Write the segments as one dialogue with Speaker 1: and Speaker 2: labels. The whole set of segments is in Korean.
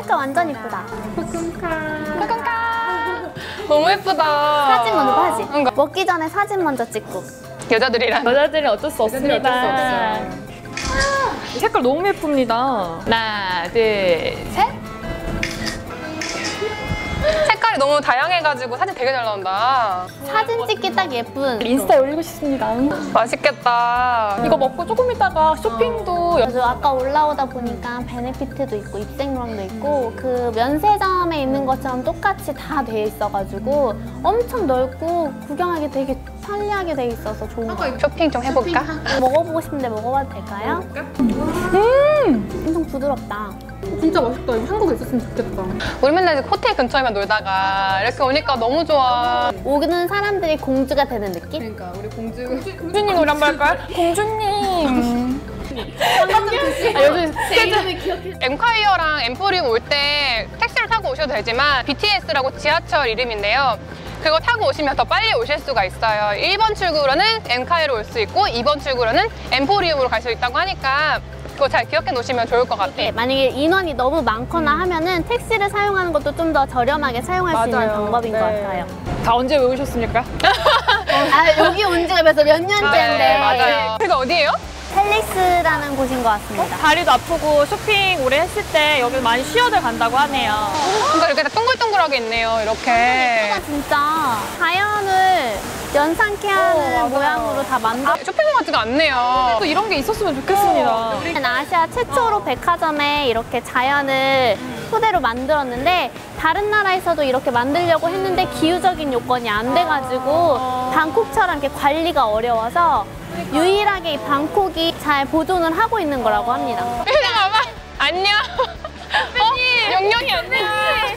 Speaker 1: 색깔 완전 이쁘다.
Speaker 2: 너무 예쁘다.
Speaker 1: 사진 먼저 봐야지. 먹기 전에 사진 먼저 찍고.
Speaker 2: 여자들은 어쩔 수 없습니다.
Speaker 3: 이 색깔 너무 예쁩니다.
Speaker 2: 하나, 둘, 셋. 색깔이 너무 다양해가지고 사진 되게 잘 나온다.
Speaker 1: 사진 찍기 딱 예쁜.
Speaker 3: 인스타에 올리고 싶습니다.
Speaker 2: 맛있겠다.
Speaker 3: 이거 먹고 조금 있다가 쇼핑도
Speaker 1: 그래서 아까 올라오다 보니까 베네피트도 있고 입생로랑도 있고 그 면세점에 있는 것처럼 똑같이 다 돼 있어가지고 엄청 넓고 구경하기 되게 편리하게 돼 있어서 좋은 것 같아요.
Speaker 2: 쇼핑 좀 해볼까?
Speaker 1: 먹어보고 싶은데 먹어봐도 될까요? 엄청 부드럽다.
Speaker 4: 진짜 맛있다. 이거 한국에 있었으면 좋겠다.
Speaker 2: 우리 맨날 호텔 근처에만 놀다가 이렇게 오니까 너무 좋아.
Speaker 1: 오는 사람들이 공주가 되는 느낌?
Speaker 4: 그러니까 우리
Speaker 3: 공주님 노래 한번 할까요? 공주님.
Speaker 2: 엠콰이어랑 엠포리움 올 때 택시를 타고 오셔도 되지만 BTS라고 지하철 이름인데요. 그거 타고 오시면 더 빨리 오실 수가 있어요. 1번 출구로는 엠콰이어로 올 수 있고 2번 출구로는 엠포리움으로 갈 수 있다고 하니까 그거 잘 기억해 놓으시면 좋을 것 같아요.
Speaker 1: 만약에 인원이 너무 많거나 하면은 택시를 사용하는 것도 좀 더 저렴하게 사용할 수 있는 방법인 것 같아요.
Speaker 3: 다 언제 외우셨습니까?
Speaker 1: 아, 여기 온 지가 벌써 몇 년째인데.
Speaker 2: 네, 맞아요. 그게 어디예요?
Speaker 1: 펠릭스라는 곳인 것 같습니다.
Speaker 3: 다리도 아프고 쇼핑 오래 했을 때 여기 많이 쉬어들 간다고 하네요.
Speaker 2: 그러니까 이렇게 다 동글동글하게 있네요. 이렇게.
Speaker 1: 진짜 자연을 연상케 하는 모양으로 다 만들어.
Speaker 2: 쇼핑몰 같지가 않네요.
Speaker 3: 또 이런 게 있었으면 좋겠습니다.
Speaker 1: 아시아 최초로 백화점에 이렇게 자연을 토대로 만들었는데 다른 나라에서도 이렇게 만들려고 했는데 기후적인 요건이 안 돼가지고 방콕처럼 이렇게 관리가 어려워서 유일하게 이 방콕이 잘 보존을 하고 있는 거라고 합니다.
Speaker 2: 봐봐. 안녕. 영영이 안녕.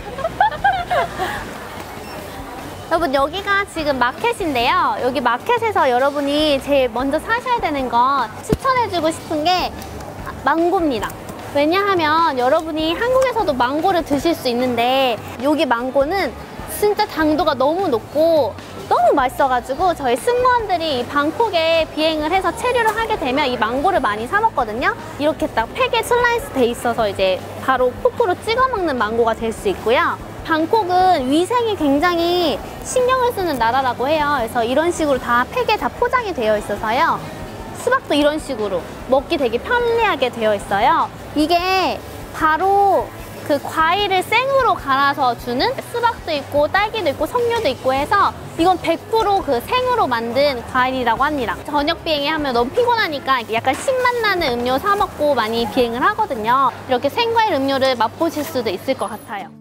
Speaker 1: 여러분 여기가 지금 마켓인데요. 여기 마켓에서 여러분이 제일 먼저 사셔야 되는 건 추천해주고 싶은 게 망고입니다. 왜냐하면 여러분이 한국에서도 망고를 드실 수 있는데 여기 망고는 진짜 당도가 너무 높고 너무 맛있어가지고 저희 승무원들이 방콕에 비행을 해서 체류를 하게 되면 이 망고를 많이 사 먹거든요. 이렇게 딱 팩에 슬라이스 돼 있어서 이제 바로 포크로 찍어 먹는 망고가 될 수 있고요. 방콕은 위생이 굉장히 신경을 쓰는 나라라고 해요. 그래서 이런 식으로 다 팩에 다 포장이 되어 있어서요. 수박도 이런 식으로 먹기 되게 편리하게 되어 있어요. 이게 바로 그 과일을 생으로 갈아서 주는 수박도 있고 딸기도 있고 석류도 있고 해서 이건 100% 그 생으로 만든 과일이라고 합니다. 저녁 비행에 하면 너무 피곤하니까 약간 신맛 나는 음료 사 먹고 많이 비행을 하거든요. 이렇게 생과일 음료를 맛보실 수도 있을 것 같아요.